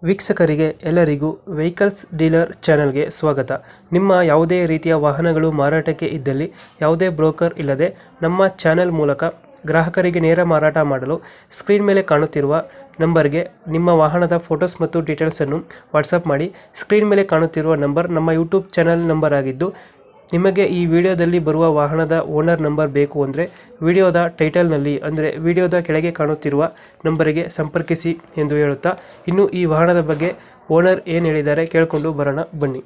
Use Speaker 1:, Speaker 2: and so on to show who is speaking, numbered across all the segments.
Speaker 1: ವೀಕ್ಷಕರಿಗೆ ಎಲ್ಲರಿಗೂ vehicles dealer ಚಾನೆಲ್ಗೆ ಸ್ವಾಗತ. ನಿಮ್ಮ ಯಾವುದೇ ರೀತಿಯ ವಾಹನಗಳು ಮಾರಾಟಕ್ಕೆ ಇದ್ದಲ್ಲಿ ಯಾವುದೇ ಬ್ರೋಕರ್ ಇಲ್ಲದೆ ನಮ್ಮ ಚಾನೆಲ್ ಮೂಲಕ ಗ್ರಾಹಕರಿಗೆ ನೇರ ಮಾರಾಟ ಮಾಡಲು ಸ್ಕ್ರೀನ್ ಮೇಲೆ ಕಾಣುತ್ತಿರುವ ನಂಬರ್ಗೆ ನಿಮ್ಮ ವಾಹನದ ಫೋಟೋಸ್ ಮತ್ತು ಡೀಟೇಲ್ಸನ್ನು ವಾಟ್ಸಪ್ ಮಾಡಿ. ಸ್ಕ್ರೀನ್ ಮೇಲೆ ಕಾಣುತ್ತಿರುವ ನಂಬರ್ ನಮ್ಮ ಯೂಟ್ಯೂಬ್ ಚಾನೆಲ್ ನಂಬರ್ ಆಗಿದ್ದು, ನಿಮಗೆ ಈ ವಿಡಿಯೋದಲ್ಲಿ ಬರುವ ವಾಹನದ ಓನರ್ ನಂಬರ್ ಬೇಕು ಅಂದರೆ ವಿಡಿಯೋದ ಟೈಟಲ್ನಲ್ಲಿ ಅಂದರೆ ವಿಡಿಯೋದ ಕೆಳಗೆ ಕಾಣುತ್ತಿರುವ ನಂಬರಿಗೆ ಸಂಪರ್ಕಿಸಿ ಎಂದು ಹೇಳುತ್ತಾ, ಇನ್ನು ಈ ವಾಹನದ ಬಗ್ಗೆ ಓನರ್ ಏನು ಹೇಳಿದ್ದಾರೆ ಕೇಳಿಕೊಂಡು ಬರೋಣ ಬನ್ನಿ.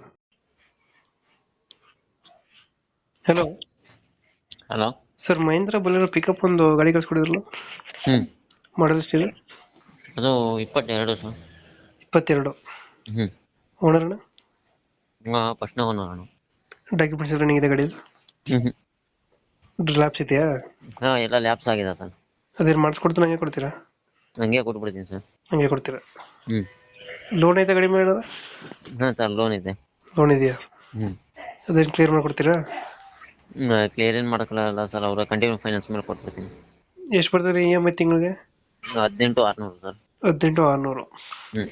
Speaker 1: Hello
Speaker 2: hello.
Speaker 1: Sir, Mahindra Bolero pickup ಒಂದು ಗಾಡಿ ಕಳಿಸ್ಕೊಡಿದ್ರಲ್ಲ,
Speaker 2: ಹ್ಮ್
Speaker 1: ಮಾಡಲ್ ಎಷ್ಟಿದೆ?
Speaker 2: ಅದು 22 ಸರ್.
Speaker 1: 22.
Speaker 2: ಹ್ಮ್
Speaker 1: ಓನರ್ನ
Speaker 2: ಫಸ್ಟ್ ನಾನು.
Speaker 1: ಡಾಕ್ಯುಮೆಂಟ್ಸ್ ರನ್ನಿಂಗ್ ಇದೆ ಗಾಡಿ?
Speaker 2: ಹ್ಮ್
Speaker 1: ಲ್ಯಾಪ್ಸ್ ಇದೆಯಾ?
Speaker 2: ಹಾ, ಎಲ್ಲ ಲ್ಯಾಪ್ಸ್ ಆಗಿದೆ ಸರ್.
Speaker 1: ಅದೇನು ಮಾಡಿಸ್ಕೊಡ್ತೀನಿ ಹಂಗೆ ಕೊಡ್ತೀರಾ?
Speaker 2: ಹಂಗೆ ಕೊಟ್ಬಿಡ್ತೀನಿ ಸರ್.
Speaker 1: ಹಂಗೆ ಕೊಡ್ತೀರಾ?
Speaker 2: ಹ್ಮ್
Speaker 1: ಲೋನ್ ಐತೆ ಗಾಡಿ ಮೇಲೆ?
Speaker 2: ಹಾ ಸರ್, ಲೋನ್ ಇದೆ.
Speaker 1: ಲೋನ್ ಇದೆಯಾ?
Speaker 2: ಹ್ಮ್
Speaker 1: ಅದೇನು ಕ್ಲಿಯರ್ ಮಾಡಿಕೊಡ್ತೀರಾ?
Speaker 2: ಕ್ಲಿಯರ್ ಏನ್ ಮಾಡಕ್ಕಾಗಲ್ಲ ಸರ್, ಅವ್ರ ಕಂಟಿನ್ಯೂ ಫೈನಾನ್ಸ್ ಮೇಲೆ ಕೊಟ್ಬಿಡ್ತೀನಿ.
Speaker 1: ಎಷ್ಟು ಬರ್ತದೆ ಇ ಎಮ್ ಐ ತಿಂಗಳಿಗೆ?
Speaker 2: 18,600 ಸರ್.
Speaker 1: 18,600.
Speaker 2: ಹ್ಮ್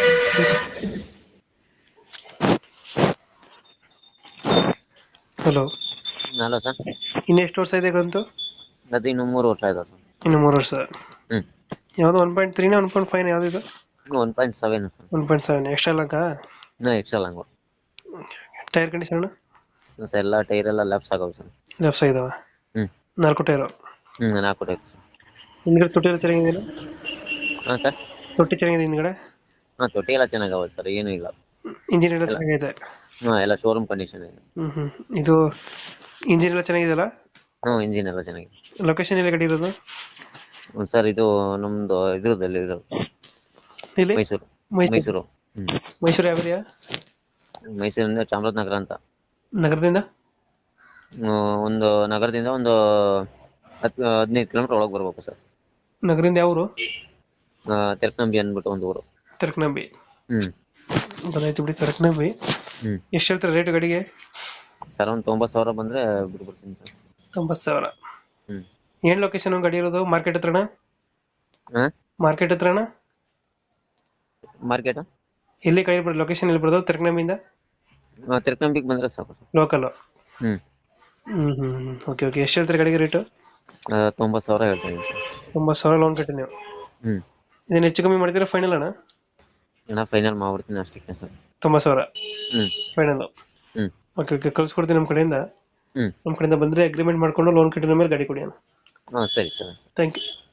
Speaker 1: ಹಲೋ.
Speaker 2: Hello sir.
Speaker 1: ಇನ್ನು ಎಷ್ಟು ವರ್ಷ ಇದೆ ಕಂತು?
Speaker 2: ಅದು ಇನ್ನು 3 ವರ್ಷ ಆಯ್ತು ಸರ್.
Speaker 1: ಇನ್ನು 3 ವರ್ಷ.
Speaker 2: ಹ್ಮ್
Speaker 1: ಯಾವುದು 1.3 1.5 ಯಾವ್ದು ಇದು?
Speaker 2: 1.7 ಸರ್.
Speaker 1: 1.7 ಎಕ್ಸ್ಟ್ರಾ ಲಾಂಗಾ?
Speaker 2: Extra long.
Speaker 1: Tyre condition?
Speaker 2: Sir, ಎಲ್ಲ ಟೈರ್ ಎಲ್ಲ ಲ್ಯಾಪ್ಸ್ ಆಗವು ಸರ್.
Speaker 1: ಲೆಫ್ಟ್ ಇದಾವ?
Speaker 2: ಹ್ಮ್
Speaker 1: 4 ಟೈರು?
Speaker 2: 4 tyre sir.
Speaker 1: ಹಿಂದ್ಗಡೆ ತೊಟ್ಟಿ ಎಲ್ಲ ಚೆನ್ನಾಗಿದೆ?
Speaker 2: ಹಾ ಸರ್.
Speaker 1: ತೊಟ್ಟಿ ಚೆನ್ನಾಗಿದೆ ಹಿಂದ್ಗಡೆ?
Speaker 2: ಹಾ, ತೊಟ್ಟಿ ಎಲ್ಲ ಚೆನ್ನಾಗವ ಸರ್, ಏನೂ ಇಲ್ಲ.
Speaker 1: ಇಂಜಿನ್ ಎಲ್ಲ ಚೆನ್ನಾಗಿದೆ?
Speaker 2: ಹಾ, ಎಲ್ಲ ಶೋರೂಮ್ ಕಂಡೀಷನ್ ಇದೆ.
Speaker 1: ಇದು ಇಂಜಿನ್ ಎಲ್ಲ ಚೆನ್ನಾಗಿದೆಯಲ್ಲ?
Speaker 2: ಇಂಜಿನ್ ಎಲ್ಲ ಚೆನ್ನಾಗಿದೆ.
Speaker 1: ಲೊಕೇಶನ್ ಎಲ್ಲಿ ಗಾಡಿ ಇರೋದು?
Speaker 2: ಸರ್, ಇದು ನಮ್ದು ಇದ್ರದಲ್ಲಿ ಇರೋದು
Speaker 1: ಇಲ್ಲಿ
Speaker 2: ಮೈಸೂರು.
Speaker 1: ಮೈಸೂರು. ಮೈಸೂರು ಯಾವ ಏರಿಯಾ?
Speaker 2: ಮೈಸೂರಿಂದ ಚಾಮರಾಜನಗರ ಅಂತ.
Speaker 1: ನಗರದಿಂದ?
Speaker 2: ಒಂದು ನಗರದಿಂದ ಒಂದು 15 ಕಿಲೋಮೀಟರ್ ಒಳಗೆ ಬರ್ಬೇಕು ಸರ್.
Speaker 1: ನಗರದಿಂದ ಯಾವ ಊರು?
Speaker 2: ತೆರಕನಂಬಿ ಅಂದ್ಬಿಟ್ಟು ಒಂದು ಊರು.
Speaker 1: ತರ್ಕನಂಬಿ.
Speaker 2: ಹ್ಮ್
Speaker 1: ಗೊತ್ತಾಯ್ತು ಬಿಡಿ, ತರ್ಕನಂಬಿ.
Speaker 2: ಹ್ಮ್
Speaker 1: ಎಷ್ಟು ಹೇಳ್ತಾರೆ ರೇಟ್ ಗಾಡಿಗೆ?
Speaker 2: ಸರ್, ಒಂದು 90,000 ಬಂದ್ರೆ ಬಿಡ್ಬಿಡ್ತೀನಿ ಸರ್.
Speaker 1: 90,000.
Speaker 2: ಹ್ಮ್
Speaker 1: ಏನ್ ಲೊಕೇಶನ್ ಗಾಡಿ ಇರೋದು? ಮಾರ್ಕೆಟ್ ಹತ್ರನ?
Speaker 2: ಹಾ,
Speaker 1: ಮಾರ್ಕೆಟ್ ಹತ್ರನ?
Speaker 2: ಮಾರ್ಕೆಟ್
Speaker 1: ಎಲ್ಲಿ ಗಾಡಿ ಬರೋದು? ಲೊಕೇಶನ್ ಎಲ್ಲಿ ಬರೋದು ತರ್ಕನಂಬಿಯಿಂದ?
Speaker 2: ತೆರಕನಂಬಿಗೆ ಬಂದ್ರೆ ಸಾಕು ಸರ್.
Speaker 1: ಲೋಕಲ್?
Speaker 2: ಹ್ಮ್
Speaker 1: ಓಕೆ ಓಕೆ. ಎಷ್ಟು ಹೇಳ್ತಾರೆ ಗಾಡಿಗೆ ರೇಟು?
Speaker 2: 90,000 ಹೇಳ್ತಾ ಇದೀನಿ ಸರ್.
Speaker 1: 90,000 ಲೋನ್ ಕಟ್ಟಿ ನೀವು?
Speaker 2: ಹ್ಮ್
Speaker 1: ಇದನ್ನ ಹೆಚ್ಚು ಕಮ್ಮಿ ಮಾಡ್ತೀರಾ ಫೈನಲ್ ಅಣ್ಣ?
Speaker 2: ಫೈನಲ್ ಮಾಡ್ಬಿಡ್ತೀನಿ ಅಷ್ಟಕ್ಕೆ ಸರ್.
Speaker 1: 90,000
Speaker 2: ಹ್ಮ್
Speaker 1: ಫೈನಲ್?
Speaker 2: ಹ್ಮ್
Speaker 1: ಓಕೆ ಓಕೆ, ಕಳ್ಸ್ಕೊಡ್ತೀನಿ ನಮ್ಮ ಕಡೆಯಿಂದ.
Speaker 2: ಹ್ಮ್
Speaker 1: ನಮ್ಮ ಕಡೆಯಿಂದ ಬಂದರೆ ಅಗ್ರಿಮೆಂಟ್ ಮಾಡ್ಕೊಂಡು ಲೋನ್ ಕಟ್ಟಿದ ಮೇಲೆ ಗಾಡಿ ಕೊಡಿ ಅಣ್ಣ.
Speaker 2: ಹಾ, ಸರಿ ಸರ್.
Speaker 1: Thank you.